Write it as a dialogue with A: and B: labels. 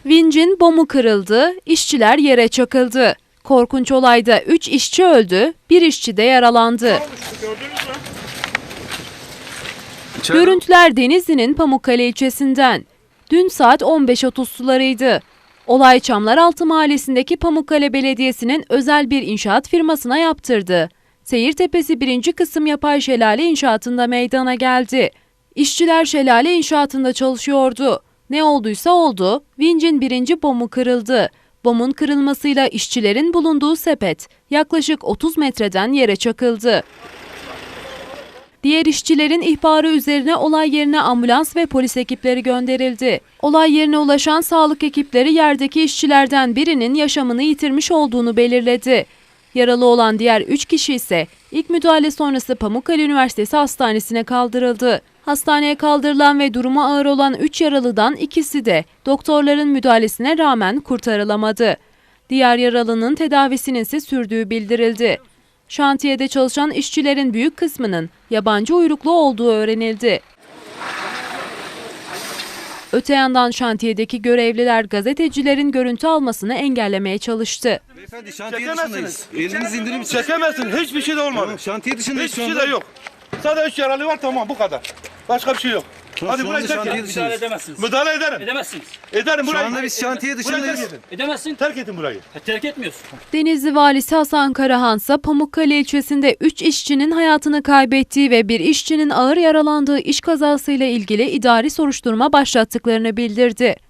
A: Vincin bomu kırıldı, işçiler yere çakıldı. Korkunç olayda 3 işçi öldü, 1 işçi de yaralandı. Görüntüler Denizli'nin Pamukkale ilçesinden. Dün saat 15.30 sularıydı. Olay Çamlaraltı Mahallesi'ndeki Pamukkale Belediyesi'nin özel bir inşaat firmasına yaptırdı. Seyirtepesi 1. kısım yapay şelale inşaatında meydana geldi. İşçiler şelale inşaatında çalışıyordu. Ne olduysa oldu, vincin 1. bomu kırıldı. Bomun kırılmasıyla işçilerin bulunduğu sepet yaklaşık 30 metreden yere çakıldı. Diğer işçilerin ihbarı üzerine olay yerine ambulans ve polis ekipleri gönderildi. Olay yerine ulaşan sağlık ekipleri yerdeki işçilerden birinin yaşamını yitirmiş olduğunu belirledi. Yaralı olan diğer 3 kişi ise ilk müdahale sonrası Pamukkale Üniversitesi Hastanesi'ne kaldırıldı. Hastaneye kaldırılan ve durumu ağır olan 3 yaralıdan ikisi de doktorların müdahalesine rağmen kurtarılamadı. Diğer yaralının tedavisinin ise sürdüğü bildirildi. Şantiyede çalışan işçilerin büyük kısmının yabancı uyruklu olduğu öğrenildi. Öte yandan şantiyedeki görevliler gazetecilerin görüntü almasını engellemeye çalıştı.
B: Beyefendi şantiye dışındayız. Elinizi indirir misiniz?
C: Çekemezsin. Hiçbir şey de olmadı.
B: Tamam, şantiye dışındayız
C: Hiçbir
B: şu
C: şey
B: anda.
C: de yok. Sadece 3 yaralı var, tamam, bu kadar. Başka bir şey yok. Hadi
B: şu
C: burayı
B: anda
C: terk
B: şantiye
C: edin.
B: dışındayız.
D: Müdahale edemezsiniz.
C: Müdahale ederim.
D: Edemezsiniz.
C: Ederim
B: Şu
C: burayı.
B: anda biz şantiye dışındayız.
D: Edemezsin.
C: Terk edin burayı.
D: Terk etmiyorsun.
A: Denizli Valisi Hasan Karahan ise Pamukkale ilçesinde 3 işçinin hayatını kaybettiği ve bir işçinin ağır yaralandığı iş kazasıyla ilgili idari soruşturma başlattıklarını bildirdi.